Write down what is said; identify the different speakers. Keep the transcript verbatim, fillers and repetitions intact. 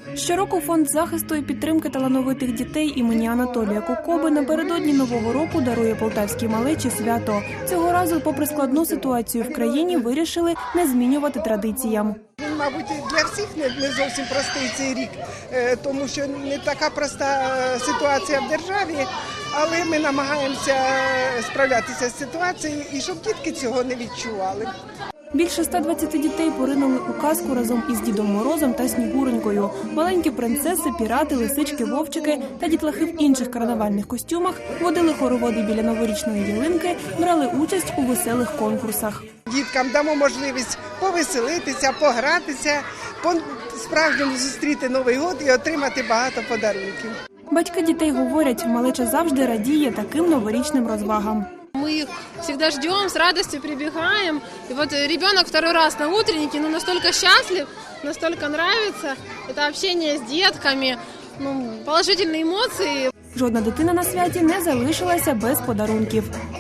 Speaker 1: Щороку фонд захисту і підтримки талановитих дітей імені Анатолія Кокоби напередодні Нового року дарує полтавській малечі свято. Цього разу, попри складну ситуацію в країні, вирішили не змінювати традиціям.
Speaker 2: Він, мабуть, для всіх не, не зовсім простий цей рік, тому що не така проста ситуація в державі, але ми намагаємося справлятися з ситуацією і щоб дітки цього не відчували.
Speaker 1: Більше ста двадцяти дітей поринули у казку разом із Дідом Морозом та Снігуренькою. Маленькі принцеси, пірати, лисички, вовчики та дітлахи в інших карнавальних костюмах водили хороводи біля новорічної ялинки, брали участь у веселих конкурсах.
Speaker 2: Діткам дамо можливість повеселитися, погратися, по-справжньому зустріти Новий год і отримати багато подарунків.
Speaker 1: Батьки дітей говорять, малеча завжди радіє таким новорічним розвагам.
Speaker 3: Мы их всегда ждем, с радостью прибегаем. И вот ребенок второй раз на утреннике, ну, настолько счастлив, настолько нравится. Это общение с детками, ну, положительные эмоции.
Speaker 1: Жодна дитина на святі не залишилася без подарунків.